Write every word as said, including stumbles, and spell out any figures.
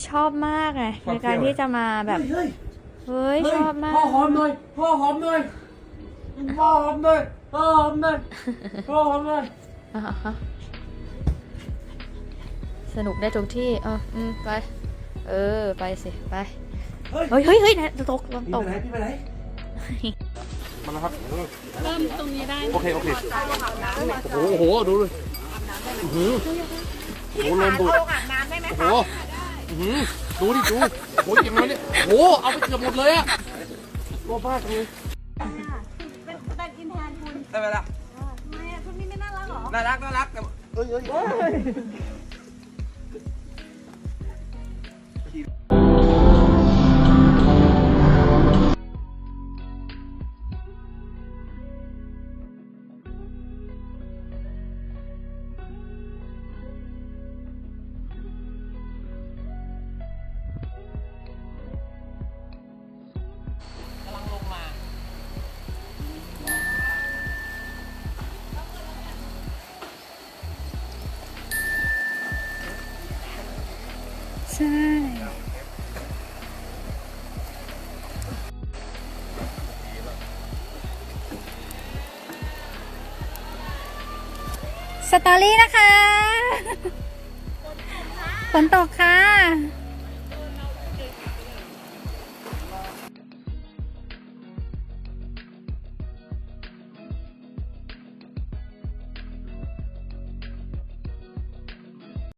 ชอบมากไงในการที่จะมาแบบเฮ้ยเฮ้ยชอบมากพ่อหอมหน่อยพ่อหอมหน่อยพ่อหอมหน่อยพ่อหอมหน่อยพ่อหอมหน่อยสนุกได้ทุกที่เอออืมไปเออไปสิไปเฮ้ยเฮ้ยเฮ้ยนะตกตกพี่ไปไหนมาแล้วครับเริ่มตรงนี้ได้โอเคโอเคโอ้โหโอ้โหดูเลยโอ้โหโอ้โหลมดูดโอ้โหดูดิดูโอ้ยยังไงเนี่ยโอ้โหเอาไปเกือบหมดเลยอะตัวบ้าจังเลยเป็นเป็นอินแทนคุณได้ไหมล่ะทำไมอ่ะคุณนี่ไม่น่ารักหรอน่ารักน่ารักแต่เอ้ยเอ้ยใช่สตอรี่นะคะฝนตกค่ะ